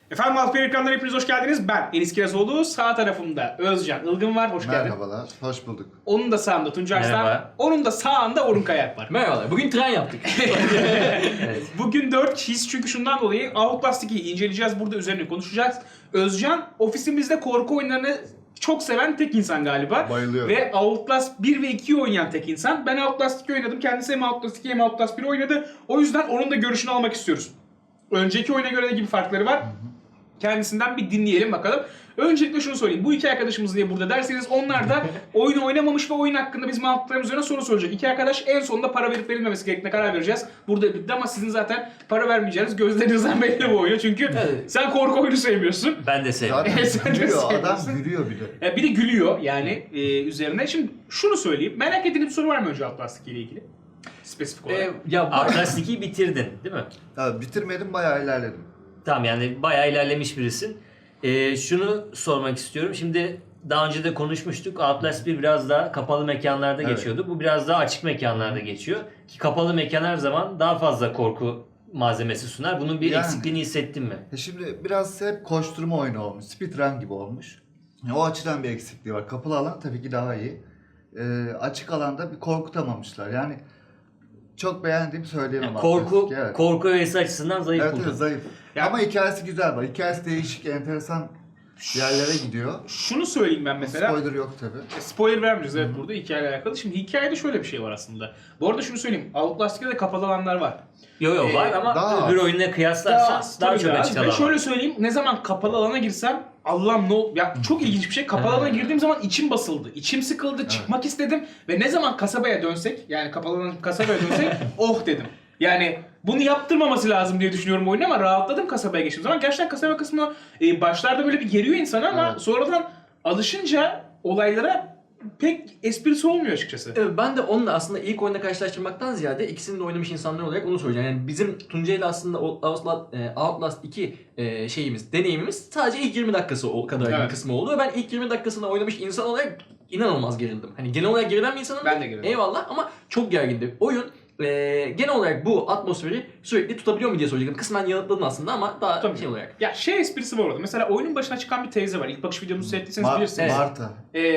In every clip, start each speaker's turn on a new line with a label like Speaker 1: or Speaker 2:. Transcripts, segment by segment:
Speaker 1: Efendim Altı ekrandan hepiniz hoş geldiniz. Ben Enis Kirazoğlu. Sağ tarafımda Özcan Ilgın var. Hoş geldin.
Speaker 2: Merhabalar, hoş bulduk.
Speaker 1: Onun da sağında Tuncay Arslan.
Speaker 3: Merhaba.
Speaker 1: Onun da sağında Orhun Kayak var.
Speaker 3: Merhabalar. Bugün tren yaptık. Evet.
Speaker 1: Bugün 4 kişiyiz çünkü şundan dolayı Outlast 2'yi inceleyeceğiz. Burada üzerine konuşacağız. Özcan ofisimizde korku oyunlarını çok seven tek insan galiba.
Speaker 2: Bayılıyorum.
Speaker 1: Ve Outlast 1 ve 2'yi oynayan tek insan. Ben Outlast 2 oynadım. Kendisi hem Outlast 2 hem Outlast 1 oynadı. O yüzden onun da görüşünü almak istiyoruz. Önceki oyuna göre ne gibi farkları var? Kendisinden bir dinleyelim bakalım. Öncelikle şunu söyleyeyim. Bu iki arkadaşımız niye burada derseniz onlar da oyunu oynamamış ve oyun hakkında bizim aldıklarımız üzerine soru soracak. İki arkadaş en sonunda para verip verilmemesi gerektiğine karar vereceğiz. Burada bitti ama sizin zaten para vermeyeceğiniz gözlerinizden belli bu oyunu. Çünkü
Speaker 3: Evet.
Speaker 1: sen korku oyunu sevmiyorsun.
Speaker 3: Ben de sevmiyorum.
Speaker 2: Zaten
Speaker 1: Sen de
Speaker 2: gülüyor,
Speaker 1: seviyorsun.
Speaker 2: adam gülüyor bir de.
Speaker 1: Bir de gülüyor yani üzerine. Şimdi şunu söyleyeyim. Merak ettiğiniz bir soru var mı önce Outlast 2 ile ilgili? Spesifik olarak.
Speaker 3: Outlast 2'yi bitirdin değil mi?
Speaker 2: Ya, bitirmedim, bayağı ilerledim.
Speaker 3: Tamam, yani bayağı ilerlemiş birisin. Şunu sormak istiyorum. Şimdi daha önce de konuşmuştuk. Outlast 1 biraz daha kapalı mekanlarda
Speaker 2: Evet.
Speaker 3: geçiyordu. Bu biraz daha açık mekanlarda geçiyor. Ki kapalı mekan her zaman daha fazla korku malzemesi sunar. Bunun bir
Speaker 2: Yani.
Speaker 3: eksikliğini hissettin mi?
Speaker 2: Şimdi biraz hep koşturma oyunu olmuş, speedrun gibi olmuş. O açıdan bir eksikliği var. Kapalı alan tabii ki daha iyi. Açık alanda bir korkutamamışlar. Yani çok beğendiğimi söyleyemem.
Speaker 3: Korku
Speaker 2: Outlast 2, evet.
Speaker 3: korku öğesi açısından zayıf
Speaker 2: Evet,
Speaker 3: buldun.
Speaker 2: evet, zayıf.
Speaker 1: Ya-
Speaker 2: Ama hikayesi güzel var. Hikayesi değişik, enteresan yerlere gidiyor.
Speaker 1: Şunu söyleyeyim ben mesela.
Speaker 2: Spoiler yok tabii.
Speaker 1: Spoiler vermeyeceğiz evet burada hikayeyle alakalı. Şimdi hikayede şöyle bir şey var aslında. Bu arada şunu söyleyeyim. Outlast 2'de de kapalı alanlar var.
Speaker 3: Yo var ama
Speaker 2: daha
Speaker 3: öbür
Speaker 2: az.
Speaker 3: oyunla kıyaslarsan daha
Speaker 1: tabii
Speaker 3: çok
Speaker 1: az.
Speaker 3: açık
Speaker 1: Ve
Speaker 3: alan
Speaker 1: şöyle
Speaker 3: var.
Speaker 1: söyleyeyim. Ne zaman kapalı alana girsem Allah'ım ya çok ilginç bir şey. Kapalı alana girdiğim zaman içim basıldı. İçim sıkıldı. Çıkmak istedim. Ve ne zaman kasabaya dönsek yani kapalı alan kasabaya dönsek oh dedim. Yani bunu yaptırmaması lazım diye düşünüyorum oyunu ama rahatladım kasabaya geçtiğim zaman. Gerçekten kasaba kısmı başlarda böyle bir geriyor insanı ama
Speaker 2: Evet.
Speaker 1: sonradan alışınca olaylara pek esprisi olmuyor açıkçası.
Speaker 4: Evet, ben de onunla aslında ilk oyunda karşılaştırmaktan ziyade ikisini de oynamış insanlar olarak onu soracağım. Yani bizim Tuncay ile aslında Outlast 2 deneyimimiz sadece ilk 20 dakikası o kadar
Speaker 1: Evet.
Speaker 4: bir kısmı oldu. Ve ben ilk 20 dakikasını oynamış insan olarak inanılmaz gerildim. Hani genel olarak gerilen bir insanım.
Speaker 1: Ben de gerildim.
Speaker 4: Eyvallah ama çok gergindi. Oyun genel olarak bu atmosferi sürekli tutabiliyor mu diye soracaktım. Kısmen yanıtladın aslında ama daha
Speaker 1: Tabii.
Speaker 4: şey olarak.
Speaker 1: Ya şey esprisi var orada. Mesela oyunun başına çıkan bir teyze var. İlk bakış videomuzu seyrettiyseniz bilirsiniz.
Speaker 2: Marta.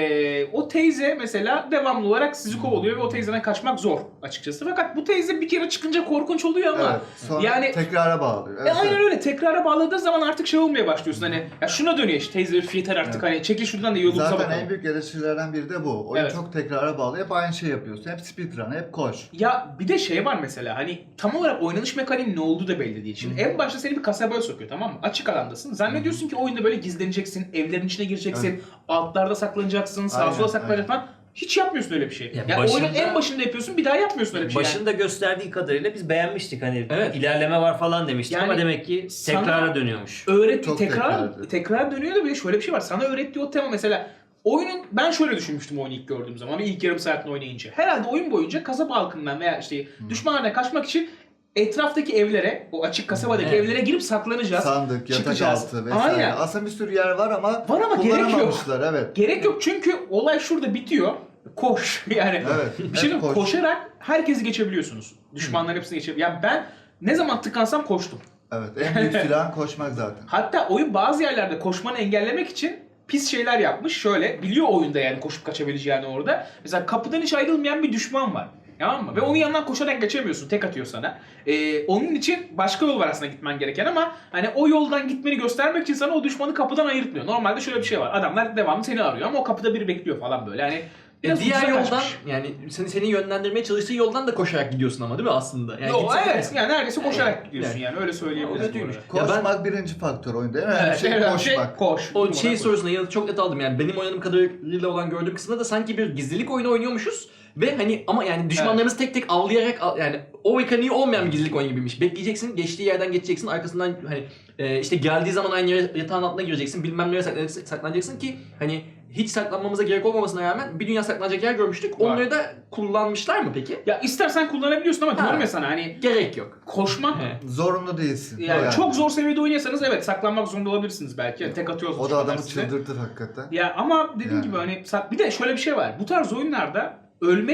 Speaker 1: O teyze mesela devamlı olarak sizi kovalıyor ve o teyzeden kaçmak zor açıkçası. Fakat bu teyze bir kere çıkınca korkunç oluyor ama
Speaker 2: Evet. Sonra
Speaker 1: yani
Speaker 2: tekrara bağlıyor. Evet,
Speaker 1: aynen
Speaker 2: evet.
Speaker 1: öyle tekrara bağladığı zaman artık şey olmaya başlıyorsun hani ya şuna dönüyor işte teyze üf yeter artık
Speaker 2: Evet.
Speaker 1: hani çekil şuradan da yolumuza
Speaker 2: Zaten
Speaker 1: bakalım.
Speaker 2: en büyük eleştirilerden biri de bu. Oyun
Speaker 1: Evet.
Speaker 2: çok tekrara bağlı. Hep aynı şey yapıyorsun. Hep speedrun, hep koş.
Speaker 1: Ya bir de şey var mesela hani tam olarak oynanış mekaniğinin ne olduğu da belli değil. Şimdi en başta seni bir kasabaya sokuyor tamam mı? Açık alandasın. Zannediyorsun ki oyunda böyle gizleneceksin, evlerin içine gireceksin, altlarda saklanacaksın, sağa
Speaker 2: Aynen,
Speaker 1: sola saklanacaksın
Speaker 2: aynen.
Speaker 1: falan. Hiç yapmıyorsun öyle bir şey.
Speaker 3: Ya
Speaker 1: Yani
Speaker 3: başında-
Speaker 1: oyunun en başında yapıyorsun bir daha yapmıyorsun öyle bir şey. Yani.
Speaker 3: Başında gösterdiği kadarıyla biz beğenmiştik hani
Speaker 4: Evet.
Speaker 3: ilerleme var falan demiştik
Speaker 1: Yani
Speaker 3: ama demek ki
Speaker 1: sana-
Speaker 3: tekrara dönüyormuş.
Speaker 1: Öğretti
Speaker 2: Çok tekrardı.
Speaker 1: tekrar dönüyor da bir de şöyle bir şey var. Sana öğrettiği o tema mesela oyunun ben şöyle düşünmüştüm oyunu ilk gördüğüm zaman ve ilk yarım saatini oynayınca. Herhalde oyun boyunca kasaba halkından veya işte düşmanlardan kaçmak için etraftaki evlere, o açık kasabadaki
Speaker 3: Evet.
Speaker 1: evlere girip saklanacağız.
Speaker 2: Sandık, yatak
Speaker 1: Çıkacağız.
Speaker 2: altı vesaire.
Speaker 1: Aynen.
Speaker 2: Aslında bir sürü yer var ama
Speaker 1: Var ama gerek yok.
Speaker 2: kullanamamışlar, evet.
Speaker 1: Gerek yok çünkü olay şurada bitiyor. Koş yani.
Speaker 2: Evet.
Speaker 1: Bir şey
Speaker 2: hep
Speaker 1: diyeyim, koşarak herkesi geçebiliyorsunuz. Düşmanların hepsini geçebiliyorsunuz. Yani ben ne zaman tıkansam koştum.
Speaker 2: Evet, en büyük silahın koşmak zaten.
Speaker 1: Hatta oyun bazı yerlerde koşmanı engellemek için pis şeyler yapmış. Şöyle biliyor oyunda yani koşup kaçabileceğini orada. Mesela kapıdan hiç ayrılmayan bir düşman var. Tamam mı? Ve onun yanından koşarak geçemiyorsun. Tek atıyor sana. Onun için başka yol var aslında gitmen gereken ama hani o yoldan gitmeni göstermek için sana o düşmanı kapıdan ayırtmıyor. Normalde şöyle bir şey var. Adamlar devamlı seni arıyor ama o kapıda biri bekliyor falan böyle. Hani biraz
Speaker 4: Diğer
Speaker 1: ucuza
Speaker 4: yoldan
Speaker 1: kaçmış.
Speaker 4: yani seni yönlendirmeye çalıştığı yoldan da koşarak gidiyorsun ama değil mi aslında? Yani
Speaker 1: Yo,
Speaker 4: gitsek-
Speaker 1: evet yani neredeyse koşarak gidiyorsun yani öyle söyleyebiliriz.
Speaker 4: O kötüymüş.
Speaker 1: bu arada.
Speaker 4: Ya ben-
Speaker 2: Koşmak birinci faktör oyunda. En önemli
Speaker 1: Evet,
Speaker 2: şey
Speaker 1: en önemli şey
Speaker 2: koşmak.
Speaker 1: koş.
Speaker 4: O
Speaker 1: Durmadan
Speaker 4: şey
Speaker 1: koş.
Speaker 4: sorusuna yanıtı çok net aldım yani benim oynadığım kadarıyla olan gördüğüm kısımda da sanki bir gizlilik oyunu oynuyormuşuz ve hani ama yani düşmanlarımızı tek tek avlayarak yani o mekaniği olmayan bir gizlilik oyunu gibiymiş. Bekleyeceksin, geçtiği yerden geçeceksin, arkasından hani işte geldiği zaman aynı yere yatağın altına gireceksin, bilmem nereye saklanacaksın ki hani hiç saklanmamıza gerek olmamasına rağmen bir dünya saklanacak yer görmüştük.
Speaker 1: Var.
Speaker 4: Onları da kullanmışlar mı peki?
Speaker 1: Ya istersen kullanabiliyorsun ama
Speaker 4: Ha.
Speaker 1: diyorum ya sana hani
Speaker 4: Gerek yok.
Speaker 1: koşmak
Speaker 4: He.
Speaker 2: Zorunlu değilsin.
Speaker 1: yani çok zor seviyede oynuyorsanız evet saklanmak zorunda olabilirsiniz belki. Yani tek atıyorsunuz.
Speaker 2: O da adamı
Speaker 1: size.
Speaker 2: çıldırtır hakikaten.
Speaker 1: Ya ama dediğim
Speaker 2: Yani.
Speaker 1: gibi hani bir de şöyle bir şey var. Bu tarz oyunlarda ölmek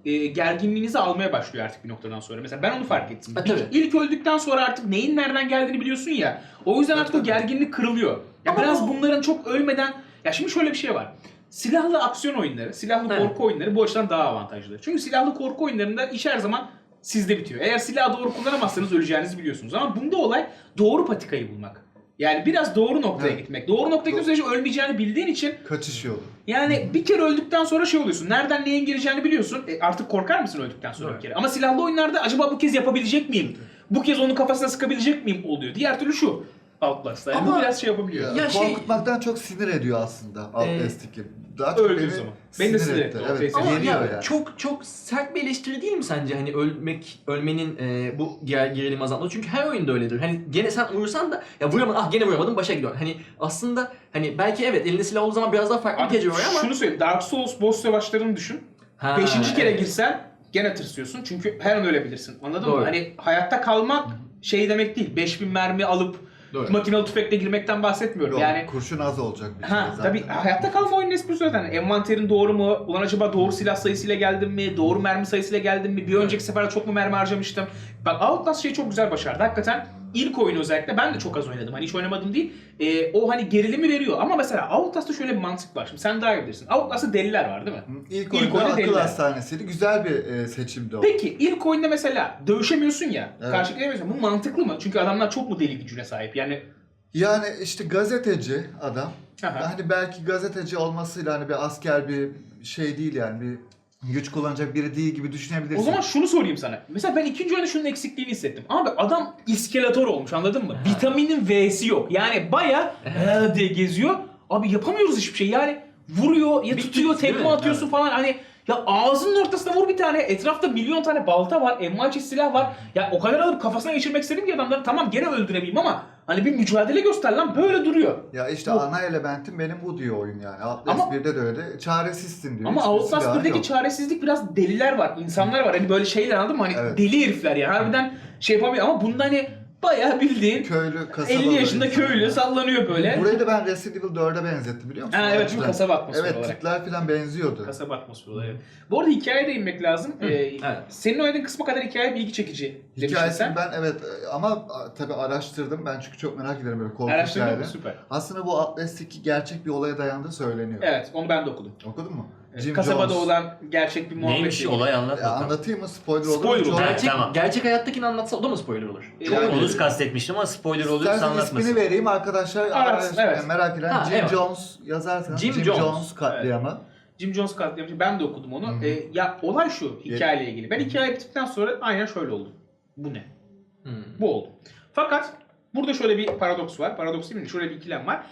Speaker 1: gerginliğinizi almaya başlıyor artık bir noktadan sonra. Mesela ben onu fark ettim.
Speaker 4: Tabii.
Speaker 1: İlk öldükten sonra artık neyin nereden geldiğini biliyorsun ya. O yüzden artık o gerginlik kırılıyor. Ya
Speaker 4: Ama
Speaker 1: biraz bunların çok ölmeden... Ya şimdi şöyle bir şey var. Silahlı aksiyon oyunları, silahlı
Speaker 4: Evet.
Speaker 1: korku oyunları bu açıdan daha avantajlı. Çünkü silahlı korku oyunlarında iş her zaman sizde bitiyor. Eğer silahı doğru kullanamazsanız öleceğinizi biliyorsunuz. Ama bunda olay doğru patikayı bulmak. Yani biraz doğru noktaya
Speaker 2: Evet.
Speaker 1: gitmek. Doğru noktaya gittiğin sürece ölmeyeceğini bildiğin için
Speaker 2: Kaçış yolu.
Speaker 1: yani bir kere öldükten sonra şey oluyorsun. Nereden neyin geleceğini biliyorsun. Artık korkar mısın öldükten sonra
Speaker 4: Evet.
Speaker 1: bir kere? Ama silahlı oyunlarda acaba bu kez yapabilecek miyim? Bu kez onun kafasına sıkabilecek miyim oluyor. Diğer türlü şu Outlast'ta. Yani
Speaker 4: Ama-
Speaker 1: bu biraz şey yapabiliyor.
Speaker 4: Ya şey-
Speaker 2: Korkutmaktan çok sinir ediyor aslında Outlast 2. Daha çok
Speaker 1: Öldüğü zaman. Beni de sinir etti.
Speaker 2: Evet,
Speaker 1: Ama
Speaker 4: Ama
Speaker 2: geliyor
Speaker 4: ya
Speaker 2: yani.
Speaker 4: çok sert bir eleştiri değil mi sence hani ölmenin bu gerilim azaltması? Çünkü her oyunda öyledir. Hani gene sen vurursan da ya vuramadın, gene vuramadım, başa gidiyor. Hani aslında hani belki evet elinde silah olduğu zaman biraz daha farklı bir tecrübe var ama
Speaker 1: şunu söyleyeyim. Dark Souls boss savaşlarını düşün.
Speaker 4: Ha,
Speaker 1: 5. kere
Speaker 4: evet.
Speaker 1: girsen gene tırsıyorsun. Çünkü her an ölebilirsin. Anladın
Speaker 4: Doğru.
Speaker 1: mı? Hani hayatta kalmak şey demek değil. 5000 mermi alıp
Speaker 4: Doğru.
Speaker 1: makinalı tüfekle girmekten bahsetmiyorum.
Speaker 2: Yok,
Speaker 1: Yani
Speaker 2: kurşun az olacak bir şey
Speaker 1: ha
Speaker 2: zaten.
Speaker 1: tabii hayatta kalma oyunun esprisi zaten. Envanterin doğru mu? Ulan acaba doğru silah sayısıyla geldim mi? Doğru mermi sayısıyla geldim mi? Bir önceki seferde çok mu mermi harcamıştım? Bak Outlast şeyi çok güzel başardı. Hakikaten ilk oyunu özellikle ben de çok az oynadım. Hani hiç oynamadım değil. O hani gerilimi veriyor. Ama mesela Outlast'ta şöyle bir mantık var. Şimdi sen daha iyi bilirsin. Outlast'ta deliler var değil mi?
Speaker 2: İlk
Speaker 1: İlk
Speaker 2: oyunda
Speaker 1: oyunda
Speaker 2: akıl
Speaker 1: deliler.
Speaker 2: hastanesiydi. Güzel bir seçimdi o.
Speaker 1: Peki ilk oyunda mesela dövüşemiyorsun ya.
Speaker 2: Evet.
Speaker 1: Karşılayamıyorsun. Bu mantıklı mı? Çünkü adamlar çok mu deli gücüne sahip? Yani
Speaker 2: Yani işte gazeteci adam.
Speaker 1: Aha.
Speaker 2: Hani belki gazeteci olmasıyla hani bir asker bir şey değil yani bir güç kullanacak biri değil gibi düşünebilirsin.
Speaker 1: o zaman şunu sorayım sana. Mesela ben ikinci oyunda şunun eksikliğini hissettim. Abi adam iskeletor olmuş anladın mı? Vitaminin V'si yok. Yani baya diye geziyor. Abi yapamıyoruz hiçbir şey. Yani vuruyor ya
Speaker 4: Bir
Speaker 1: tutuyor
Speaker 4: tık, değil
Speaker 1: tekme
Speaker 4: mi?
Speaker 1: atıyorsun
Speaker 2: Evet.
Speaker 1: falan hani ya ağzının ortasına vur bir tane. Etrafta milyon tane balta var. Envai silah var. Ya o kadar alıp kafasına geçirmek istedim ki adamları tamam gene öldüremeyeyim ama hani bir mücadele göster lan böyle duruyor.
Speaker 2: Ya işte
Speaker 1: Bu-
Speaker 2: ana elementim benim bu diyor oyun yani. Outlast
Speaker 1: Ama-
Speaker 2: 1'de de öyle. Çaresizsin diyor.
Speaker 1: Ama
Speaker 2: Hiçbir
Speaker 1: Outlast
Speaker 2: silahın
Speaker 1: 1'deki
Speaker 2: yok.
Speaker 1: çaresizlik biraz deliler var, insanlar var. Hani böyle şeyler anladın mı? Hani
Speaker 2: Evet.
Speaker 1: deli herifler ya. Harbiden şey yapamıyor ama bunda hani bayağı bildiğin
Speaker 2: Köylü, kasabalı.
Speaker 1: 50 yaşında
Speaker 2: insanlar.
Speaker 1: köylü sallanıyor böyle.
Speaker 2: Burayı da ben Resident Evil 4'e benzettim biliyor musun?
Speaker 1: Ha, evet, çünkü
Speaker 2: Açıdan.
Speaker 1: kasaba atmosferi
Speaker 2: Evet
Speaker 1: olarak.
Speaker 2: tipler falan benziyordu.
Speaker 1: Kasaba atmosferi olarak. Evet. Bu arada hikayeye de inmek lazım.
Speaker 4: evet.
Speaker 1: Senin oynadığın kısma kadar hikaye bilgi çekici demiştin
Speaker 2: Hikayesini
Speaker 1: sen.
Speaker 2: ben evet ama tabii araştırdım. Ben çünkü çok merak ederim böyle korku
Speaker 1: Araştırdın mı?
Speaker 2: hikayeleri.
Speaker 1: Süper.
Speaker 2: Aslında bu Outlast 2 gerçek bir olaya dayandığı söyleniyor.
Speaker 1: Evet, onu ben de okudum.
Speaker 2: Okudun mu?
Speaker 1: Evet,
Speaker 2: Jim
Speaker 1: kasabada
Speaker 2: Jones.
Speaker 1: olan gerçek bir muhabbet.
Speaker 3: Neymiş
Speaker 1: değil.
Speaker 3: olay anlat
Speaker 2: Ya
Speaker 3: bakalım.
Speaker 2: anlatayım mı? Spoiler olur mu?
Speaker 1: Spoiler
Speaker 2: Çok-
Speaker 1: olur.
Speaker 3: Evet, tamam.
Speaker 4: Gerçek hayattakini anlatsa o da mı spoiler olur?
Speaker 1: Yani-
Speaker 3: Çok ulus kastetmiştim ama spoiler olursa
Speaker 2: İstersen
Speaker 3: anlatmasın.
Speaker 2: ismini vereyim arkadaşlar.
Speaker 1: Ararsın, evet.
Speaker 2: Merak eden
Speaker 4: Ha,
Speaker 2: Jim
Speaker 4: evet.
Speaker 2: Jones yazarsanız
Speaker 4: Jim
Speaker 2: Jim,
Speaker 4: Jones.
Speaker 2: Jones katliamı.
Speaker 1: Jim Jones katliamı. Ben de okudum onu.
Speaker 2: Hı.
Speaker 1: Ya olay şu hikayeyle ilgili. Ben hikaye bittikten sonra aynen şöyle oldu. Bu ne?
Speaker 4: Hmm.
Speaker 1: Bu oldu. Fakat burada şöyle bir paradoks var. Paradoks değil mi? Şöyle bir ikilem var.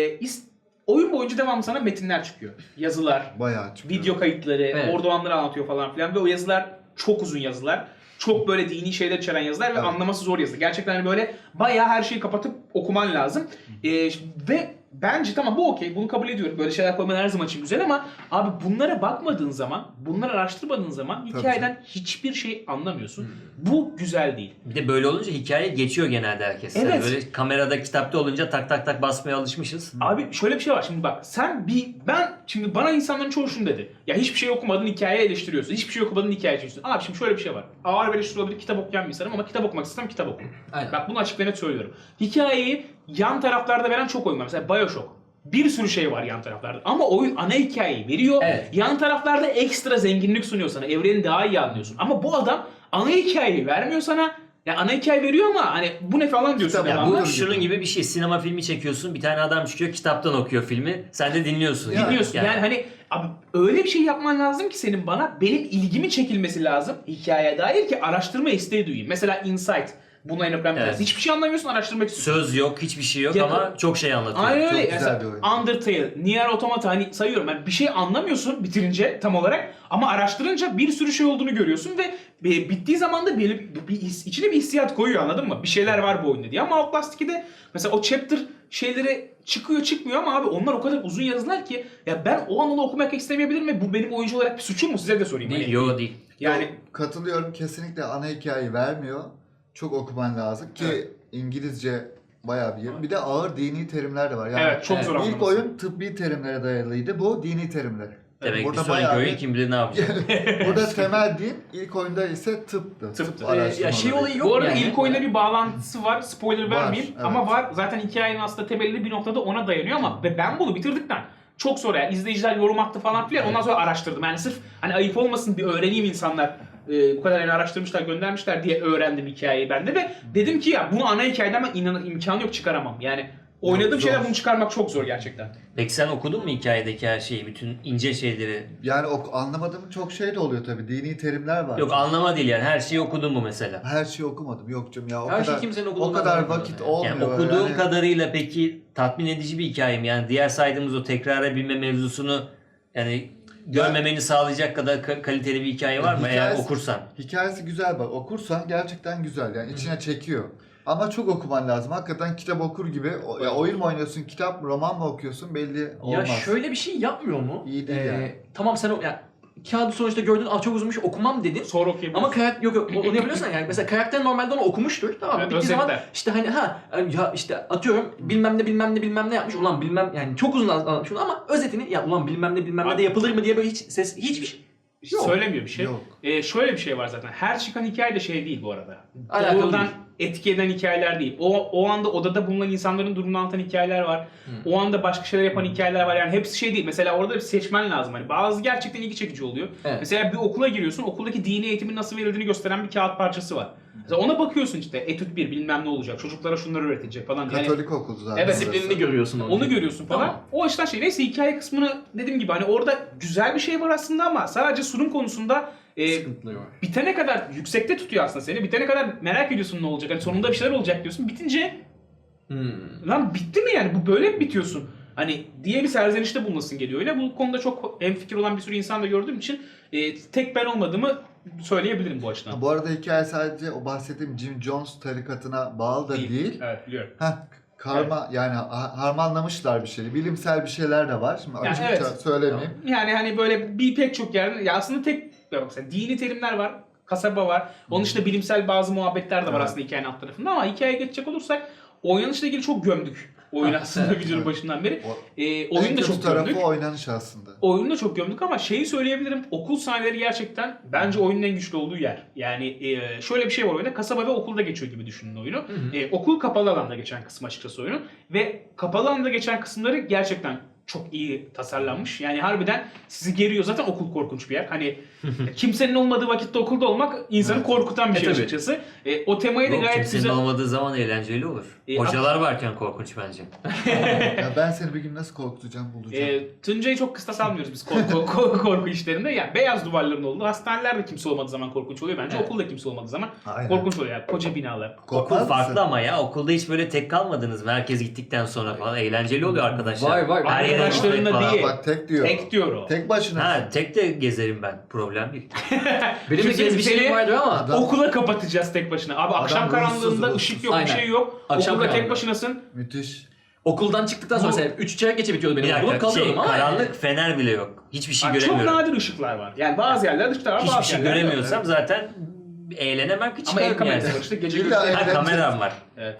Speaker 1: Oyun boyunca devamlı sana metinler çıkıyor. Yazılar,
Speaker 2: Bayağı çıkıyor.
Speaker 1: video kayıtları,
Speaker 4: Evet.
Speaker 1: orada olanları anlatıyor falan filan. Ve o yazılar çok uzun yazılar. Çok böyle dini şeyler içeren yazılar ve
Speaker 2: Evet.
Speaker 1: anlaması zor yazılar. Gerçekten hani böyle bayağı her şeyi kapatıp okuman lazım. Ve bence tamam bu okey, bunu kabul ediyorum. Böyle şeyler koyman her zaman için güzel ama abi bunlara bakmadığın zaman, bunları araştırmadığın zaman
Speaker 2: Tabii
Speaker 1: hikayeden hiçbir şey anlamıyorsun. Bu güzel değil.
Speaker 3: Bir de böyle olunca hikaye geçiyor genelde herkes. Yani
Speaker 1: Evet.
Speaker 3: böyle kamerada kitapta olunca tak tak tak basmaya alışmışız.
Speaker 1: Abi şöyle bir şey var şimdi bak şimdi bana insanların çoğu şunu dedi. Ya hiçbir şey okumadın hikaye eleştiriyorsun. Hiçbir şey okumadın hikaye eleştiriyorsun. Abi şimdi şöyle bir şey var. Ağır bir eleştiri olabilir, kitap okuyan bir insanım ama kitap okumak istesem kitap okurum.
Speaker 4: Aynen.
Speaker 1: Bak bunu açık ve net söylüyorum. Hikayeyi yan taraflarda veren çok oyun var. Mesela Bioshock. Bir sürü şey var yan taraflarda. Ama oyun ana hikayeyi veriyor.
Speaker 4: Evet.
Speaker 1: Yan taraflarda ekstra zenginlik sunuyor sana. Evreni daha iyi anlıyorsun. Ama bu adam ana hikayeyi vermiyor sana. Ya ana hikaye veriyor ama hani bu ne falan diyorsun.
Speaker 2: Kitap-
Speaker 3: Ya
Speaker 1: devamlı.
Speaker 3: bu
Speaker 2: Anladım.
Speaker 3: şunun gibi bir şey. Sinema filmi çekiyorsun. Bir tane adam çıkıyor kitaptan okuyor filmi. Sen de dinliyorsun.
Speaker 2: Ya,
Speaker 1: Dinliyorsun. Yani hani abi öyle bir şey yapman lazım ki senin bana benim ilgimi çekilmesi lazım hikayeye dair ki araştırma isteği duyayım. Mesela Insight. Buna en önemli
Speaker 3: Evet.
Speaker 1: tanesi. Hiçbir şey anlamıyorsun, araştırmak istiyorsun.
Speaker 3: Söz yok, hiçbir şey yok
Speaker 1: Ya-
Speaker 3: ama çok şey anlatıyor.
Speaker 1: Aynen
Speaker 2: Çok
Speaker 1: öyle.
Speaker 2: güzel
Speaker 1: Mesela
Speaker 2: bir oyun.
Speaker 1: Undertale, Nier Automata hani sayıyorum ben bir şey anlamıyorsun bitirince tam olarak ama araştırınca bir sürü şey olduğunu görüyorsun ve bittiği zaman da içine bir hissiyat koyuyor anladın mı? Bir şeyler var bu oyunda diye ama Outlast 2'de mesela o chapter şeyleri çıkmıyor ama abi onlar o kadar uzun yazılar ki ya ben o an onu okumak istemeyebilirim ve bu benim oyuncu olarak bir suçum mu size de sorayım.
Speaker 3: Değil,
Speaker 1: Hani-
Speaker 3: yok değil.
Speaker 1: Yani
Speaker 2: Katılıyorum, kesinlikle ana hikayeyi vermiyor. Çok okuman lazım ki
Speaker 1: Evet.
Speaker 2: İngilizce bayağı bir yer. Bir de ağır dini terimler de var. Yani
Speaker 1: evet çok zor
Speaker 2: ilk
Speaker 1: anlaması.
Speaker 2: oyun tıbbi terimlere dayalıydı. Bu dini terimlere.
Speaker 3: Demek ki
Speaker 2: Burada
Speaker 3: sonraki
Speaker 2: bayağı
Speaker 3: oyun
Speaker 2: bir-
Speaker 3: kim bilir ne yapacak.
Speaker 2: Burada temel değil, ilk oyunda ise tıptı.
Speaker 1: Tıptı.
Speaker 4: Ya şey olayı yok
Speaker 1: Bu arada
Speaker 4: yani.
Speaker 1: ilk oyunda bir bağlantısı var. Spoiler
Speaker 2: Var,
Speaker 1: vermeyeyim
Speaker 2: evet.
Speaker 1: ama var. Zaten hikayenin aslında temelli bir noktada ona dayanıyor ama ben bunu bitirdikten çok sonra yani izleyiciler yorum attı falan filan ondan sonra araştırdım. Yani sırf hani ayıp olmasın bir öğreneyim insanlar. Bu kadar yani araştırmışlar, göndermişler diye öğrendim hikayeyi ben de ve dedim ki ya bunu ana hikayeden ben imkanı yok çıkaramam. Yani oynadığım
Speaker 2: Zor.
Speaker 1: şeyler bunu çıkarmak çok zor gerçekten.
Speaker 3: Peki sen okudun mu hikayedeki her şeyi, bütün ince şeyleri?
Speaker 2: Yani anlamadığım çok şey de oluyor tabii. Dini terimler var.
Speaker 3: Yok anlama değil yani, her şeyi okudun mu mesela?
Speaker 2: Her şeyi okumadım. Yok canım ya o
Speaker 4: Her şey
Speaker 2: kadar
Speaker 4: kimsenin
Speaker 2: o
Speaker 4: okuduğundan
Speaker 2: kadar
Speaker 4: anlamıyor
Speaker 2: vakit
Speaker 4: yani.
Speaker 2: olmuyor.
Speaker 3: Yani okuduğun
Speaker 2: yani.
Speaker 3: kadarıyla peki tatmin edici bir hikaye mi? Yani diğer saydığımız o tekrara binme mevzusunu yani görmemeni sağlayacak kadar kaliteli bir hikaye var mı eğer
Speaker 2: Hikayesi-
Speaker 3: okursan?
Speaker 2: Hikayesi güzel bak. Okursan gerçekten güzel. Yani içine çekiyor. Ama çok okuman lazım. Hakikaten kitap okur gibi. Ya oyun mu oynuyorsun, kitap mı, roman mı okuyorsun belli olmaz.
Speaker 4: Ya şöyle bir şey yapmıyor mu?
Speaker 2: İyi değil yani.
Speaker 4: Tamam sen kağıdı sonuçta gördün, çok uzunmuş okumam dedin.
Speaker 1: Sonra okuyabilirsin.
Speaker 4: Ama karakter yok onu yapabiliyorsan yani mesela karakter normalde onu okumuştur tamam mı?
Speaker 1: Evet,
Speaker 4: Bittiği zaman
Speaker 1: özetler.
Speaker 4: işte hani ya işte atıyorum bilmem ne yapmış ulan bilmem yani çok uzun anlatmış onu ama özetini ya ulan bilmem ne de yapılır mı diye böyle hiçbir şey yok.
Speaker 1: Söylemiyor bir şey.
Speaker 2: Yok.
Speaker 1: Şöyle bir şey var zaten. Her çıkan hikaye de şey değil bu arada.
Speaker 4: Alakalı
Speaker 1: Doğrudan
Speaker 4: değil.
Speaker 1: etki eden hikayeler değil. O anda odada bulunan insanların durumunu anlatan hikayeler var. O anda başka şeyler yapan hikayeler var. Yani hepsi şey değil. Mesela orada bir seçmen lazım. Hani bazı gerçekten ilgi çekici oluyor.
Speaker 4: Evet.
Speaker 1: Mesela bir okula giriyorsun. Okuldaki dini eğitimin nasıl verildiğini gösteren bir kağıt parçası var. Mesela ona bakıyorsun işte. Etüt 1 bilmem ne olacak. Çocuklara şunları öğretilecek falan. Yani
Speaker 2: Katolik okulu zaten.
Speaker 1: Evet,
Speaker 4: Disiplinini görüyorsun
Speaker 1: onu görüyorsun falan.
Speaker 4: Tamam.
Speaker 1: O açıdan şey. Neyse hikaye kısmını dediğim gibi hani orada güzel bir şey var aslında ama sadece sunum konusunda
Speaker 4: sıkıntıları var.
Speaker 1: bitene kadar yüksekte tutuyor aslında seni. Bitene kadar merak ediyorsun ne olacak. Hani sonunda bir şeyler olacak diyorsun. Bitince lan bitti mi yani? Bu böyle mi bitiyorsun? Hani diye bir serzenişte bulunmasın geliyor öyle. Bu konuda çok hemfikir olan bir sürü insan da gördüğüm için tek ben olmadığımı söyleyebilirim bu açıdan.
Speaker 2: Bu arada hikaye sadece o bahsettiğim Jim Jones tarikatına bağlı da değil.
Speaker 1: Evet biliyorum.
Speaker 2: Karma yani harmanlamışlar bir şeyi. Bilimsel bir şeyler de var. Şimdi
Speaker 1: Yani
Speaker 2: açıkça
Speaker 1: evet.
Speaker 2: söylemeyeyim.
Speaker 1: Yani hani böyle pek çok yerde ya aslında tek ya mesela dini terimler var, kasaba var. Onun dışında bilimsel bazı muhabbetler de var
Speaker 2: Evet.
Speaker 1: aslında hikayenin alt tarafında ama hikayeye geçecek olursak oynanışla ilgili çok gömdük. Oyun aslında videonun başından beri.
Speaker 2: En
Speaker 1: Oyunu da
Speaker 2: kötü
Speaker 1: çok
Speaker 2: tarafı
Speaker 1: gömdük.
Speaker 2: oynanış aslında.
Speaker 1: Oyunu da çok gömdük ama şeyi söyleyebilirim. Okul sahneleri gerçekten bence oyunun en güçlü olduğu yer. Yani şöyle bir şey var oyunda. Kasaba ve okulda geçiyor gibi düşünün oyunu. Okul kapalı alanda geçen kısmı açıkçası oyunun. Ve kapalı alanda geçen kısımları gerçekten çok iyi tasarlanmış. Yani harbiden sizi geriyor. Zaten okul korkunç bir yer. Hani kimsenin olmadığı vakitte okulda olmak insanı
Speaker 2: Evet.
Speaker 1: korkutan bir şey
Speaker 4: tabii.
Speaker 1: açıkçası. O temayı da
Speaker 3: Yok,
Speaker 1: gayet
Speaker 3: kimsenin
Speaker 1: güzel.
Speaker 3: olmadığı zaman eğlenceli olur. Hocalar varken korkunç bence.
Speaker 2: Ya ben seni bir gün nasıl korkutacağım bulacağım.
Speaker 1: Tuncay'ı çok kıstas almıyoruz biz korku işlerinde. Yani beyaz duvarların olduğu, hastanelerde kimse olmadığı zaman korkunç oluyor bence.
Speaker 4: Evet.
Speaker 1: Okulda kimse olmadığı zaman
Speaker 2: Aynen.
Speaker 1: korkunç oluyor yani. Koca binalar.
Speaker 2: Korkmaz
Speaker 3: Okul farklı
Speaker 2: mısın?
Speaker 3: ama ya, okulda hiç böyle tek kalmadınız mı? Herkes gittikten sonra falan eğlenceli oluyor arkadaşlar.
Speaker 4: Var.
Speaker 3: Her yere
Speaker 1: Arkadaşlarınla
Speaker 3: gitmek falan.
Speaker 1: değil.
Speaker 2: Bak tek diyor.
Speaker 1: Tek diyor o.
Speaker 2: Tek başına.
Speaker 3: Ha, tek de gezerim ben. Problem değil.
Speaker 4: Benim de
Speaker 1: Kimse
Speaker 4: bir
Speaker 1: seni-
Speaker 4: şeyim vardı ama
Speaker 2: Adam-
Speaker 1: Okula kapatacağız tek başına. Abi akşam
Speaker 2: ruhsuz,
Speaker 1: karanlığında
Speaker 2: ruhsuz.
Speaker 1: ışık yok,
Speaker 4: Aynen.
Speaker 1: bir şey yok.
Speaker 4: Akşam
Speaker 1: Okulda tek
Speaker 4: karanlığı.
Speaker 1: başınasın.
Speaker 2: Müthiş.
Speaker 4: okuldan çıktıktan sonra
Speaker 1: Bu-
Speaker 4: mesela 3 çeyrek geçe bitiyordu benim
Speaker 3: Bir
Speaker 4: okulum.
Speaker 3: dakika,
Speaker 4: Kalıyordum ama
Speaker 3: karanlık, fener bile yok. Hiçbir şey
Speaker 1: Bak, çok
Speaker 3: göremiyorum.
Speaker 1: nadir ışıklar var. Yani bazı yerlerde ışıklar var,
Speaker 3: Hiçbir
Speaker 1: bazı
Speaker 3: şey
Speaker 1: yerlerde yok.
Speaker 3: göremiyorsam zaten eğlenemem ki,
Speaker 1: Ama el
Speaker 3: çıkarım
Speaker 1: kamerası
Speaker 3: yani.
Speaker 1: var işte gece
Speaker 2: İlla
Speaker 1: gözleri.
Speaker 3: Ha, kameram var.
Speaker 1: Evet.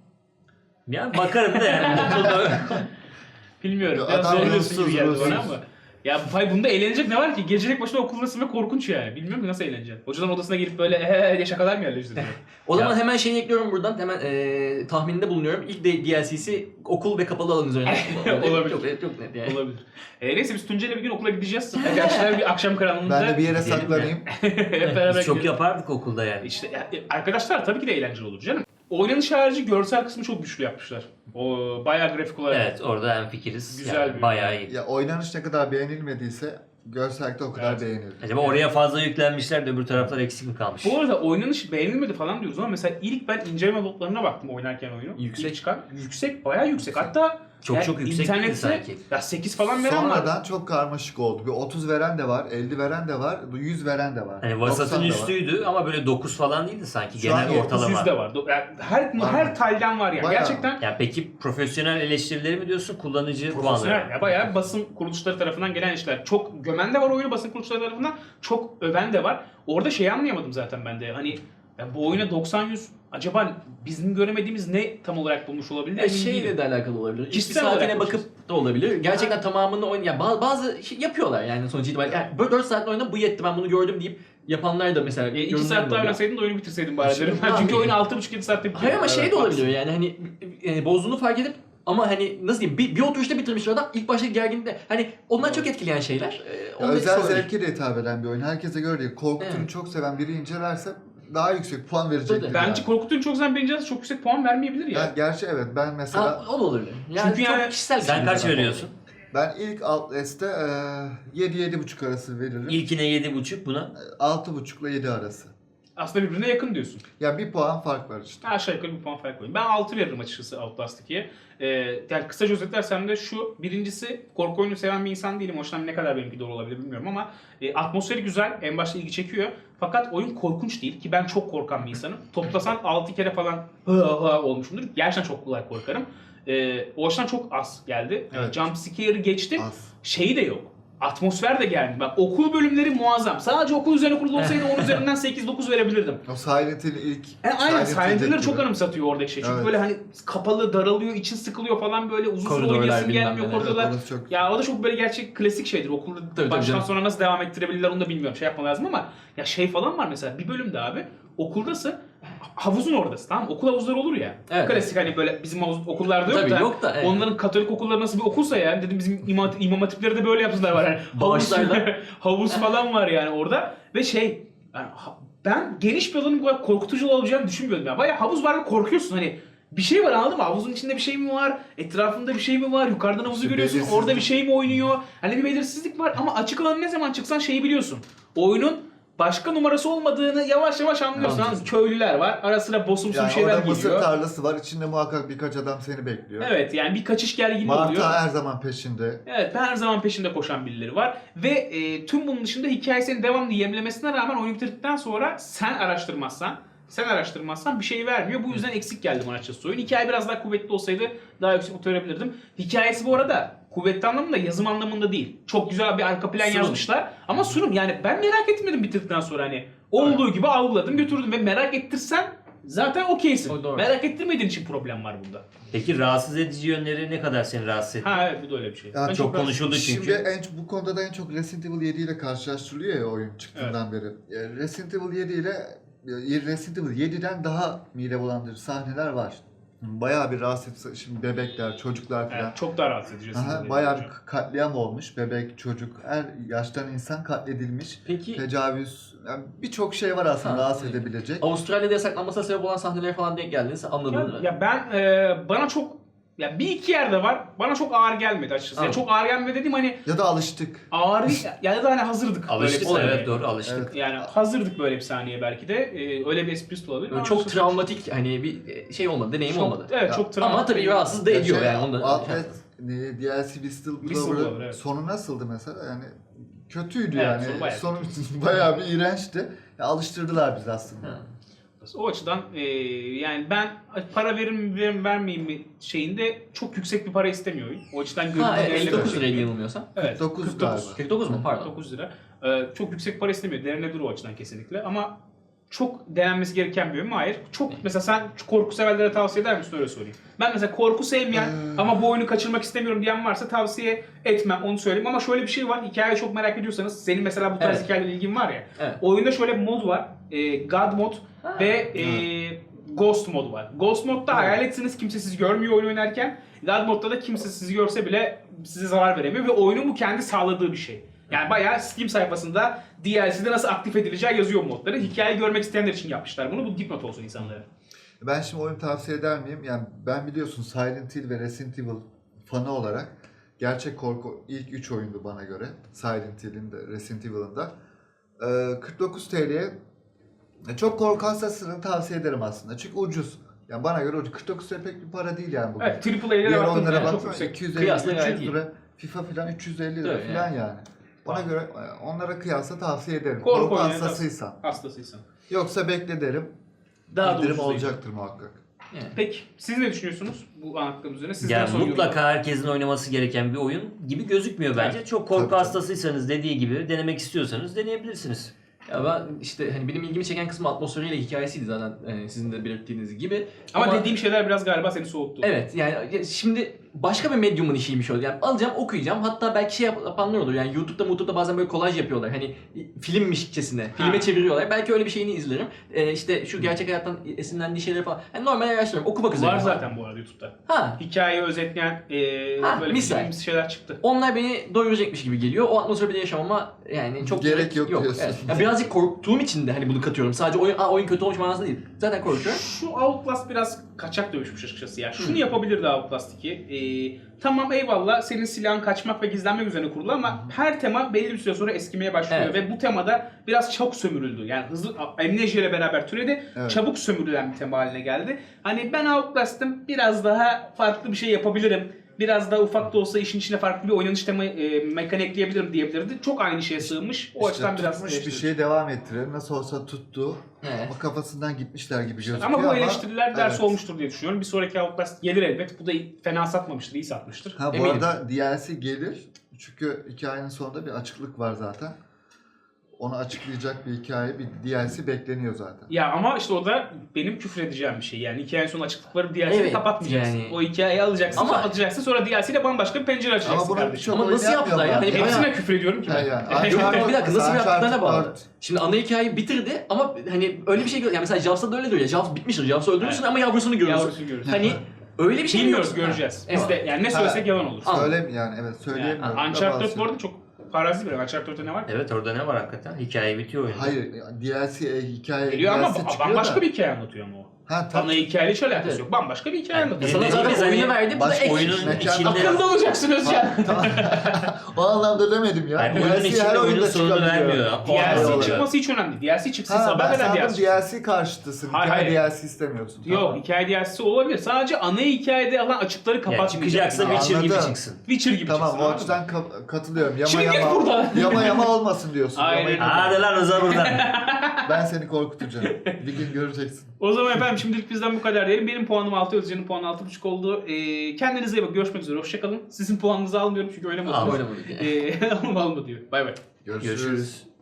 Speaker 3: Ya bakarım da yani. Okulda-
Speaker 1: Bilmiyorum.
Speaker 2: Ya
Speaker 1: Biraz
Speaker 2: adam
Speaker 1: zorluyorsun gibi
Speaker 2: ruhsuz,
Speaker 1: geldi bana
Speaker 2: ruhsuz.
Speaker 1: ama. Ya bunda eğlenecek ne var ki? Gece tek başına okuldasın ve korkunç yani. Bilmiyorum ki nasıl eğleneceksin. Hocadan odasına girip böyle diye şakalar mı yerleştiriyor?
Speaker 4: O zaman
Speaker 3: Ya.
Speaker 4: hemen şeyi ekliyorum buradan. Hemen tahminde bulunuyorum. İlk DLC'si okul ve kapalı alan üzerine.
Speaker 1: Olabilir.
Speaker 4: Çok net yani.
Speaker 1: Olabilir. Neyse biz Tuncay'la bir gün okula gideceğiz. Gerçekten bir akşam karanlığında
Speaker 2: Ben de bir yere
Speaker 3: Gidelim
Speaker 2: saklanayım.
Speaker 1: hep beraber
Speaker 3: Biz çok
Speaker 1: gidelim.
Speaker 3: yapardık okulda yani.
Speaker 1: İşte arkadaşlar tabii ki de eğlenceli olur canım. Oynanış harici görsel kısmı çok güçlü yapmışlar. O bayağı grafik olarak.
Speaker 3: Evet, orada hemfikiriz.
Speaker 1: Güzel
Speaker 3: Yani
Speaker 1: bir-
Speaker 3: bayağı iyi.
Speaker 2: Ya oynanış ne kadar beğenilmediyse görsellikte o kadar
Speaker 1: Evet.
Speaker 2: beğenildi.
Speaker 3: Acaba oraya fazla yüklenmişler de öbür taraflar eksik mi kalmış?
Speaker 1: Bu arada oynanış beğenilmedi falan diyoruz ama mesela ilk ben inceleme notlarına baktım oynarken oyunu.
Speaker 4: Yüksek.
Speaker 1: İlk çıkan. Yüksek, bayağı yüksek. Hatta
Speaker 3: Çok yüksek değildi
Speaker 1: internette
Speaker 3: sanki.
Speaker 1: ya 8 falan veren var.
Speaker 2: Sonradan çok karmaşık oldu. Bir 30 veren de var, 50 veren de var, 100 veren de var.
Speaker 3: Hani
Speaker 2: 90
Speaker 3: vasatın
Speaker 2: da var.
Speaker 3: üstüydü ama böyle 9 falan değildi sanki,
Speaker 2: Şu an
Speaker 3: genel ortalama.
Speaker 1: 900 de var. Yani her talden var yani.
Speaker 2: Bayağı.
Speaker 1: Gerçekten
Speaker 3: Ya peki profesyonel eleştirileri mi diyorsun, kullanıcı
Speaker 1: profesyonel.
Speaker 3: puanları?
Speaker 1: Ya bayağı basın kuruluşları tarafından gelen işler. Çok gömen de var oyunu basın kuruluşları tarafından. Çok öven de var. Orada şeyi anlayamadım zaten ben de. Hani ya bu oyuna 90-100 acaba bizim göremediğimiz ne tam olarak bulmuş olabilir? Emin
Speaker 4: Şeyle
Speaker 1: değilim.
Speaker 4: de alakalı olabilir. İlk bir
Speaker 1: Kişisel
Speaker 4: saatine
Speaker 1: olarak
Speaker 4: bakıp da olabilir. Gerçekten tamamını yani bazı şey yapıyorlar yani sonuç itibariyle. Yani böyle 4 saat oynadım bu yetti ben bunu gördüm deyip yapanlar da mesela
Speaker 1: 2
Speaker 4: yorumlar
Speaker 1: saat
Speaker 4: da
Speaker 1: daha
Speaker 4: oluyor.
Speaker 1: oynasaydın da oyunu bitirseydin bari
Speaker 2: Şimdi
Speaker 1: derim. Ben
Speaker 4: abi-
Speaker 1: çünkü oyunu 6,5-7 saatte bitirdim.
Speaker 4: Hayır ama şey de
Speaker 2: Evet,
Speaker 4: olabiliyor yani hani bozduğunu fark edip ama hani nasıl diyeyim bir oturuşta bitirmiş adam ilk başta gerginlikte hani ondan çok etkileyen şeyler.
Speaker 2: Ya
Speaker 4: Onun
Speaker 2: özel
Speaker 4: etkisi olabilir.
Speaker 2: zevke de hitap eden bir oyun. Herkese göre değil. Korku türünü
Speaker 4: Evet.
Speaker 2: çok seven biri incelerse daha yüksek puan verecektir.
Speaker 4: Tabii.
Speaker 1: Bence
Speaker 2: yani.
Speaker 1: korkutun çok zaman birinci çok yüksek puan vermeyebilir ya.
Speaker 2: Yani gerçi evet ben mesela
Speaker 4: Ha, o da olabilir. Yani
Speaker 1: Çünkü
Speaker 4: çok
Speaker 1: yani
Speaker 4: kişisel bir
Speaker 3: Sen
Speaker 4: şey.
Speaker 3: kaç veriyorsun?
Speaker 2: ben ilk Outlast'te 7-7,5 arası veririm.
Speaker 3: İlkine 7,5 buna.
Speaker 2: 6,5 ile 7 arası.
Speaker 1: Aslında birbirine yakın diyorsun.
Speaker 2: Ya bir puan fark var işte.
Speaker 1: Aşağı yukarı bir puan fark koyayım. Ben 6 veririm açıkçası Outlast 2'ye. Yani kısaca özetlersem de şu. Birincisi korku oyunu seven bir insan değilim. Hoşlan ne kadar benimki doğru olabilir bilmiyorum ama atmosferi güzel. En başta ilgi çekiyor. Fakat oyun korkunç değil ki ben çok korkan bir insanım. Toplasan 6 kere falan olmuşumdur. Gerçekten çok kolay korkarım. O açıdan çok az geldi.
Speaker 2: Evet.
Speaker 1: Jump scare'ı geçtim.
Speaker 2: Az.
Speaker 1: Şeyi de yok. Atmosfer de geldi. Bak okul bölümleri muazzam. Sadece okul üzerine kurulu olsaydı 10 üzerinden 8-9 verebilirdim.
Speaker 2: O Silent Hill ilk...
Speaker 1: Aynen
Speaker 2: Silent
Speaker 1: Silent Hill'leri
Speaker 2: Hill
Speaker 1: çok
Speaker 2: gibi.
Speaker 1: anımsatıyor oradaki şey. Çünkü
Speaker 2: Evet.
Speaker 1: böyle hani kapalı, daralıyor, için sıkılıyor falan böyle uzun süre
Speaker 4: Koridorlar
Speaker 1: oynayasın
Speaker 4: bilmem
Speaker 1: gelmiyor
Speaker 4: neler.
Speaker 1: koridorlar.
Speaker 2: Evet, orası çok...
Speaker 1: Ya o da çok böyle gerçek klasik şeydir. Okulda
Speaker 4: Tabii,
Speaker 1: baştan
Speaker 4: canım.
Speaker 1: sonra nasıl devam ettirebilirler onu da bilmiyorum. Şey yapma lazım ama ya şey falan var mesela bir bölümde abi okuldasın havuzun oradasın tamam mı? Okul havuzları olur ya.
Speaker 4: Evet.
Speaker 1: Klasik hani böyle bizim okullarda yok
Speaker 4: Tabii,
Speaker 1: da.
Speaker 4: yok da, evet.
Speaker 1: Onların Katolik okulları nasıl bir okulsa yani dedim bizim imam hatipleri de böyle yapsınlar var yani. Havuz,
Speaker 4: Bağışlarlar.
Speaker 1: havuz falan var yani orada ve şey yani ben geniş bir alanın bu kadar korkutucu olacağını düşünmüyordum ya. Bayağı havuz var ve korkuyorsun hani bir şey var anladın mı? Havuzun içinde bir şey mi var? Etrafında bir şey mi var? Yukarıdan havuzu
Speaker 2: İşte
Speaker 1: görüyorsun.
Speaker 2: belirsizlik.
Speaker 1: Orada bir şey mi oynuyor? Hani bir belirsizlik var ama açık alan ne zaman çıksan şeyi biliyorsun. Oyunun başka numarası olmadığını yavaş yavaş anlıyorsun.
Speaker 4: Anladım.
Speaker 1: Anladın mı? Köylüler var. Ara sıra bosumsu
Speaker 2: Yani
Speaker 1: bir şeyler
Speaker 2: orada mısır
Speaker 1: geliyor.
Speaker 2: tarlası var. İçinde muhakkak birkaç adam seni bekliyor.
Speaker 1: Evet yani bir kaçış gerginliği oluyor.
Speaker 2: Marta her zaman peşinde.
Speaker 1: Evet her zaman peşinde koşan birileri var. Ve tüm bunun dışında hikayesinin devamlı yemlemesine rağmen oyunu bitirdikten sonra sen araştırmazsan bir şey vermiyor. Bu yüzden eksik geldi bana açıkçası oyun. Hikaye biraz daha kuvvetli olsaydı daha yüksek not verebilirdim. Hikayesi bu arada kuvvetli anlamında yazım anlamında değil. Çok güzel bir arka plan
Speaker 4: Sunum.
Speaker 1: yazmışlar. Ama sunum yani ben merak etmedim bitirdikten sonra hani. Olduğu gibi algıladım götürdüm ve merak ettirsen zaten okeysin.
Speaker 4: O doğru.
Speaker 1: Merak ettirmediğin için problem var bunda.
Speaker 3: Peki rahatsız edici yönleri ne kadar seni rahatsız etti?
Speaker 1: Ha evet bu da öyle bir şey.
Speaker 2: Ya
Speaker 1: Ben
Speaker 3: çok
Speaker 1: rahatsız-
Speaker 3: konuşuldu çünkü.
Speaker 2: Şimdi bu konuda da en çok Resident Evil 7 ile karşılaştırılıyor ya oyun çıktığından beri. Resident Evil 7 ile Resident Evil 7'den daha mide bulandırıcı sahneler var. Bayağı bir rahatsız şimdi bebekler, çocuklar falan.
Speaker 1: Evet, çok daha rahatsız edici.
Speaker 2: Aha, bayağı bir katliam olmuş. Bebek, çocuk, her yaştan insan katledilmiş.
Speaker 4: Peki
Speaker 2: Tecavüz, yani birçok şey var aslında
Speaker 4: Ha,
Speaker 2: rahatsız
Speaker 4: evet.
Speaker 2: edebilecek.
Speaker 4: Avustralya'da yasaklanmasına sebep olan sahnelere falan denk geldiniz anladın mı?
Speaker 1: Ya ben bana çok ya bir iki yerde var. Bana çok ağır gelmedi açıkçası. Ya
Speaker 4: Anladım.
Speaker 1: çok ağır gelmedi dediğim hani
Speaker 2: Ya da alıştık.
Speaker 1: ağır ya da hani hazırdık.
Speaker 3: Alıştık
Speaker 1: böyle bir
Speaker 3: evet
Speaker 1: sahneye.
Speaker 3: doğru alıştık.
Speaker 2: Evet.
Speaker 1: Yani hazırdık böyle bir sahneye belki de. Öyle bir esprisi de olabilir.
Speaker 4: Böyle
Speaker 1: ama
Speaker 4: çok
Speaker 1: açıkçası
Speaker 4: travmatik hani bir şey olmadı, deneyim
Speaker 1: çok-
Speaker 4: olmadı.
Speaker 1: Evet
Speaker 2: Ya,
Speaker 1: çok travmatik.
Speaker 4: Ama tabii rahatsız da ediyor yani. Onu da,
Speaker 2: Outlast, DLC Whistleblower'ın
Speaker 1: Whistleblower, evet.
Speaker 2: sonu nasıldı mesela? Yani kötüydü
Speaker 1: Evet,
Speaker 2: yani.
Speaker 1: sonu bayağı
Speaker 2: Sonu bayağı bir iğrençti. Ya, alıştırdılar bizi aslında.
Speaker 4: Ha.
Speaker 1: O açıdan yani ben para vermeyeyim mi şeyinde çok yüksek bir para istemiyor oyun. O açıdan
Speaker 4: Ha
Speaker 1: görüntü
Speaker 4: evet,
Speaker 1: değerli
Speaker 4: 59
Speaker 1: bir
Speaker 4: liraya
Speaker 1: şey.
Speaker 4: yanılmıyorsam.
Speaker 1: Evet.
Speaker 2: 49 galiba.
Speaker 4: 49 mu? Pardon.
Speaker 1: 9 lira. Çok yüksek para istemiyor. Derine o açıdan kesinlikle. Ama çok denenmesi gereken bir oyun mu? Hayır. Çok mesela sen korku severlere tavsiye eder misin öyle sorayım. Ben mesela korku sevmeyen ama bu oyunu kaçırmak istemiyorum diyen varsa tavsiye etmem onu söyleyeyim. Ama şöyle bir şey var. Hikayeyi çok merak ediyorsanız senin mesela bu tarz
Speaker 4: Evet.
Speaker 1: hikayelerle ilgin var ya.
Speaker 4: Evet.
Speaker 1: Oyunda şöyle bir mod var. God mod
Speaker 4: Ha.
Speaker 1: ve Ghost mod var. Ghost modda hayaletsiniz kimse sizi görmüyor oyun oynarken. God modda da kimse sizi görse bile size zarar veremiyor ve oyunun bu kendi sağladığı bir şey. Yani bayağı Steam sayfasında DLC'de nasıl aktif edileceği yazıyor modları. Hikaye görmek isteyenler için yapmışlar bunu. Bu dipnot olsun insanlara.
Speaker 2: Ben şimdi oyunu tavsiye eder miyim? Yani ben biliyorsun Silent Hill ve Resident Evil fanı olarak gerçek korku ilk 3 oyundu bana göre. Silent Hill'in de Resident Evil'ın da. 49 TL'ye çok korku hassasını tavsiye ederim aslında. Çünkü ucuz. Yani bana göre ucuz. 49 TL pek bir para değil yani bugün.
Speaker 1: Evet, AAA'lere
Speaker 2: Diğer
Speaker 1: baktığımızda
Speaker 2: oyunlara
Speaker 1: çok
Speaker 2: baksana
Speaker 1: yüksek.
Speaker 2: 250
Speaker 4: Kıyasla gayet
Speaker 2: 300
Speaker 4: iyi.
Speaker 2: lira. FIFA filan 350 lira
Speaker 4: Tabii
Speaker 2: filan yani. Ona göre onlara kıyasla tavsiye ederim.
Speaker 1: Korku
Speaker 2: Korku
Speaker 1: oyunu
Speaker 2: hassasıysan.
Speaker 1: Hastasıysan.
Speaker 2: Yoksa bekle derim.
Speaker 1: Daha da
Speaker 2: İndirim
Speaker 1: ucuz değil.
Speaker 2: olacaktır muhakkak.
Speaker 4: Yani.
Speaker 1: Peki siz ne düşünüyorsunuz bu anlattığım üzerine? Sizden
Speaker 3: Yani
Speaker 1: sonra
Speaker 3: mutlaka
Speaker 1: yorum.
Speaker 3: herkesin oynaması gereken bir oyun gibi gözükmüyor bence. Çok korku
Speaker 2: Tabii, tabii.
Speaker 3: hastasıysanız dediği gibi denemek istiyorsanız deneyebilirsiniz.
Speaker 4: Ya ben işte hani benim ilgimi çeken kısmı atmosferiyle hikayesiydi zaten sizin de belirttiğiniz gibi.
Speaker 1: Ama dediğim şeyler biraz galiba seni soğuttu.
Speaker 4: Evet yani şimdi başka bir medyumun işiymiş o. Yani alacağım, okuyacağım. Hatta belki şey yapanlar olur. Yani YouTube'da bazen böyle kolaj yapıyorlar. Hani filmmişçesine, filme çeviriyorlar. Belki öyle bir şeyini izlerim. İşte şu gerçek hayattan esinlendiği şeyleri falan. Yani normal araştırıyorum. Okumak üzere.
Speaker 1: Var zaten bu arada YouTube'da.
Speaker 4: Ha.
Speaker 1: Hikayeyi özetleyen böyle
Speaker 4: misal.
Speaker 1: film şeyler çıktı.
Speaker 4: Onlar beni doyuracakmış gibi geliyor. O atmosferi bile yaşamama yani çok
Speaker 2: Gerek yok diyorsun.
Speaker 4: Evet. Ya birazcık korktuğum için de hani bunu katıyorum. Sadece oyun kötü olmuş manasında değil. Zaten korkuyorum.
Speaker 1: Şu Outlast biraz kaçak dövüşmüş açıkçası ya. Şunu yapabilirdi Outlast 2. Tamam eyvallah senin silahın kaçmak ve gizlenmek üzerine kurulu ama her tema belli bir süre sonra eskimeye başlıyor
Speaker 4: Evet.
Speaker 1: ve bu temada biraz çabuk sömürüldü. Yani hızlı Amnesia ile beraber türedi.
Speaker 2: Evet.
Speaker 1: Çabuk sömürülen bir tema haline geldi. Hani ben Outlast'ım biraz daha farklı bir şey yapabilirim. Biraz daha ufak da olsa işin içine farklı bir oynanış mekanik ekleyebilirim diyebilirdi. Çok aynı şeye sığmış. O açıdan biraz
Speaker 2: tutmuş bir
Speaker 1: eleştiririm.
Speaker 2: şey devam ettirelim. Nasıl olsa tuttu.
Speaker 4: Evet.
Speaker 2: Ama kafasından gitmişler gibi gözüküyor
Speaker 1: Ama bu eleştiriler ders
Speaker 2: evet.
Speaker 1: olmuştur diye düşünüyorum. Bir sonraki Outlast gelir elbet. Bu da fena satmamıştır, iyi satmıştır.
Speaker 2: Ha bu
Speaker 4: Eminim.
Speaker 2: arada DLC gelir. Çünkü hikayenin sonunda bir açıklık var zaten. Onu açıklayacak bir hikaye, bir DLC bekleniyor zaten.
Speaker 1: Ya ama işte o da benim küfür edeceğim bir şey. Yani hikayenin sonu açıklıkları DLC'yi
Speaker 4: Evet,
Speaker 1: kapatmayacaksın.
Speaker 4: yani-
Speaker 1: O hikayeyi alacaksın,
Speaker 4: Ama-
Speaker 1: kapatacaksın. Sonra DLC ile bambaşka bir pencere açacaksın
Speaker 2: Ama bunu
Speaker 1: kardeşim.
Speaker 2: çok
Speaker 4: Ama nasıl
Speaker 2: oyun
Speaker 4: yaptılar ya?
Speaker 2: yapmıyorlar.
Speaker 4: Hani
Speaker 1: Hepsine küfür ediyorum ki ben.
Speaker 2: Yani,
Speaker 4: Yok, bir dakika nasıl
Speaker 2: Uncharted
Speaker 4: yaptıklarına bağlı.
Speaker 2: 4.
Speaker 4: Şimdi ana hikayeyi bitirdi ama hani öyle bir şey yani mesela Jaws'ta da öyle diyor ya. Jaws bitmiştir. Jaws'ı öldürürsün
Speaker 1: Evet.
Speaker 4: ama yavrusunu görürsün.
Speaker 1: Yavrusunu görürsün.
Speaker 4: Hani öyle bir şey
Speaker 1: Bilmiyoruz,
Speaker 4: yok.
Speaker 1: göreceğiz.
Speaker 4: Ha,
Speaker 1: Biz de
Speaker 4: eyvallah.
Speaker 1: yani ne söylesek yalan olur.
Speaker 4: Ama-
Speaker 2: Söyle yani evet söyleyemiyorum.
Speaker 1: Yani Uncharted 4 bu arada çok farazi bir oyun. Uncharted 4'te ne var?
Speaker 3: Evet orada ne var hakikaten? Hikaye bitiyor oyunda.
Speaker 2: Hayır DLC hikaye
Speaker 1: Geliyor ama
Speaker 2: DLC çıkıyor
Speaker 1: bambaşka
Speaker 2: da.
Speaker 1: bir hikaye anlatıyor ama o.
Speaker 2: Ha
Speaker 1: Ana
Speaker 2: tabii.
Speaker 1: hikayeyle hiç alakası
Speaker 4: Evet.
Speaker 1: yok. Bambaşka bir hikaye anlatıyor.
Speaker 4: Sana zaten
Speaker 3: Dediğimiz
Speaker 4: oyunu
Speaker 3: hani
Speaker 4: verdi. Bu da
Speaker 2: baş
Speaker 4: ek.
Speaker 3: Oyunun
Speaker 2: Mekan-
Speaker 3: içinde...
Speaker 1: Akılda olacaksın Özcan.
Speaker 2: Tamam. O anlamda demedim ya.
Speaker 3: Yani oyunun
Speaker 2: DLC
Speaker 3: içinde
Speaker 2: her
Speaker 3: oyunun
Speaker 2: oyunda
Speaker 3: sonunu
Speaker 2: çıkabiliyor.
Speaker 3: vermiyor.
Speaker 1: DLC
Speaker 2: olarak.
Speaker 1: çıkması hiç önemli değil. DLC çıksın
Speaker 2: Ha
Speaker 1: haber
Speaker 2: ben
Speaker 1: veren
Speaker 2: sandım
Speaker 1: DLC.
Speaker 2: DLC karşıtısın.
Speaker 1: Hayır,
Speaker 2: Hikaye
Speaker 1: hayır.
Speaker 2: DLC istemiyorsun.
Speaker 1: Yok
Speaker 2: Tamam.
Speaker 1: hikaye DLC'si olabilir. Sadece ana hikayede alan açıkları
Speaker 3: Yani
Speaker 1: kapatmayacak.
Speaker 3: çıkacaksa
Speaker 1: Yani.
Speaker 3: Witcher gibi
Speaker 2: Anladım.
Speaker 3: çıksın.
Speaker 1: Witcher gibi
Speaker 2: Tamam
Speaker 1: çıksın.
Speaker 2: o
Speaker 1: anladın mı?
Speaker 2: açıdan katılıyorum. Yama
Speaker 1: Şimdi git
Speaker 2: yama,
Speaker 1: buradan.
Speaker 2: yama olmasın diyorsun.
Speaker 1: Aynen.
Speaker 2: Yama-
Speaker 3: Hadi lan Rıza buradan.
Speaker 2: Ben seni korkutacağım. Bir gün göreceksin.
Speaker 1: O zaman efendim şimdilik bizden bu kadar diyelim. Benim puanım 6, Özcan'ın puanı 6.5 oldu. Kendinize iyi bakın. Görüşmek üzere. Hoşçakalın. Sizin puanınızı almıyorum çünkü oynamadınız.
Speaker 4: Oynamadık.
Speaker 1: Alma alma diyor. Bay bay.
Speaker 2: Görüşürüz.
Speaker 3: Görüşürüz.